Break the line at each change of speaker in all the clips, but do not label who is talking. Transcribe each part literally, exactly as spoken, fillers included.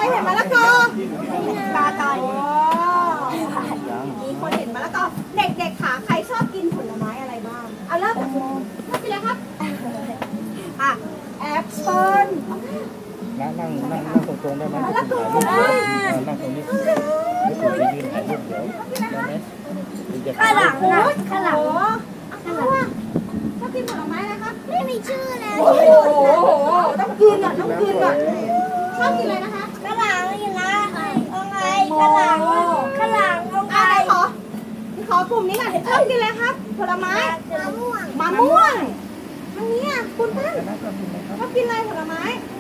เห็นมะละกอตาตอยมีคนเห็นมะละกอเด็กๆค่ะใครชอบกินผลไม้อะไรบ้างเอาเริ่มจากคุณชอบกินอะไรครับอ่ะแอปเปิ้ล
นั่งนั่งนั่งนั่งตรงๆได้ไหมถ่ายรูปนั่งตรงนี้ไม่ควรจะยืนถ่ายรูปเดี๋ยวได้ไหมจะ
ข้า
ถ่าย
หลั
รู
ง
ป
นะข้างหลังข้างหลังชอบกินผลไม้อะไรครับไม่มีชื่อแล้วโอ้โหต้องกินอ่ะต้องกินอ่ะชอบกินอะไรนะคะข้างหลังนี่นะเอาไงข้างหลังข้างหลังเอาไงขอขอกลุ่มนี้ก่อนชอบกินอะไรครับผลไม้มะม่วงมะม่วงทางนี้อ่ะคุณท่านชอบกินอะไรผลไม้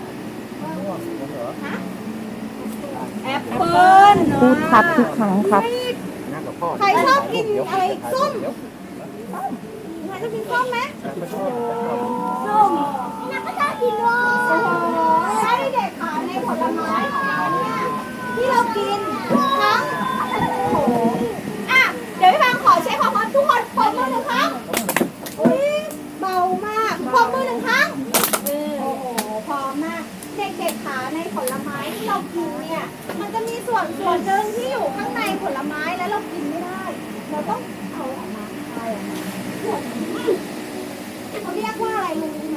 ฮะแอปเปิ้ล
พูดครับทุกครั้งครับ
นั่งกับพ่อ
ใครชอบกินอะไรอีกส้มใครชอบกินส้มไหมส้มนักก็ชอบกินด้วยโอ้โหใช่เด็กค่ะในผลไม้ของเราเนี่ยที่เรากินทั้งโอ้โหอ่ะเดี๋ยวพี่ฟังขอเช็คของทุกคนปรบมือหนึ่งครั้งอุ้ยเบามากปรบมือหนึ่งครั้งโอ้โหพร้อมมากเด็กๆค่ะในผลไม้ที่เรากินเนี่ยมันจะมีส่วนส่วนหนึ่งที่อยู่ข้างในผลไม้แล้วเรากินไม่ได้ เราต้องเอาออกมาคายออกมาส่วนนี้เขาเรียกว่าอะไรรู้ไหม